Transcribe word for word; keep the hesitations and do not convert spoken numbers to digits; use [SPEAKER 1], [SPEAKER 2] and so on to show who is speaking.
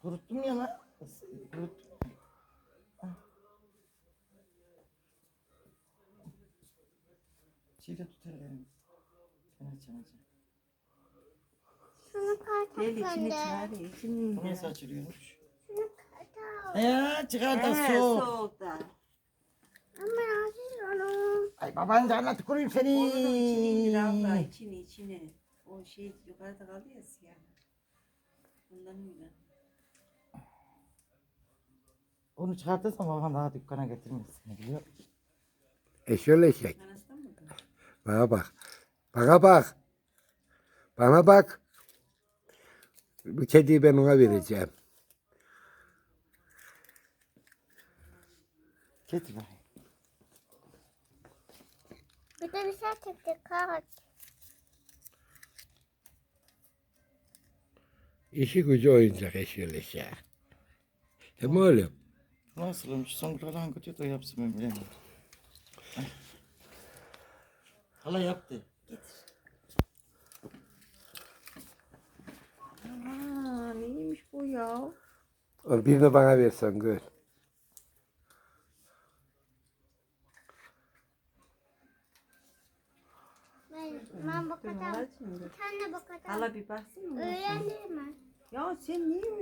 [SPEAKER 1] Kuruttum ya lan. Kurut. Çiğde tutar elimi. Ben açacağım açacağım.
[SPEAKER 2] Şunu kartak
[SPEAKER 3] Gel içini
[SPEAKER 2] bende.
[SPEAKER 3] çıkar. İçini
[SPEAKER 1] Bu nasıl açılıyormuş?
[SPEAKER 2] Şunu kartak.
[SPEAKER 1] Ya çıkar da
[SPEAKER 3] He,
[SPEAKER 1] soğuk.
[SPEAKER 3] soğukta.
[SPEAKER 2] Ama nasıl onu?
[SPEAKER 1] Ay baban canına tüküreyim seni.
[SPEAKER 3] Onu da içini indir abla. İçini içini. O şey yukarıda kaldı ya siyah. Bundan öyle.
[SPEAKER 1] Onu çıkartırsam baban daha dükkana getirmez seni biliyor musun?
[SPEAKER 4] E şöyle çek.
[SPEAKER 3] Anasından mı?
[SPEAKER 4] Bana bak. Bana bak. Bana bak. Bu kediyi ben ona vereceğim.
[SPEAKER 1] Getir bakayım.
[SPEAKER 2] Bir de bir şey çekti kart.
[SPEAKER 4] İşi gücü oyuncak eşyalı şey. Değil mi oğlum?
[SPEAKER 1] Nasıl olmuş? Songül'den hangi kötü de yapsın ben bilemiyorum. Ay. Hala yaptı.
[SPEAKER 3] Aa, neymiş bu ya?
[SPEAKER 4] Ol birini bana versen gör.
[SPEAKER 2] Ben, ben bakacağım.
[SPEAKER 3] Al şimdi.
[SPEAKER 2] Sen de bakacağım.
[SPEAKER 3] Hala bir baksana.
[SPEAKER 2] Öğrendim mi?
[SPEAKER 3] Ya sen niye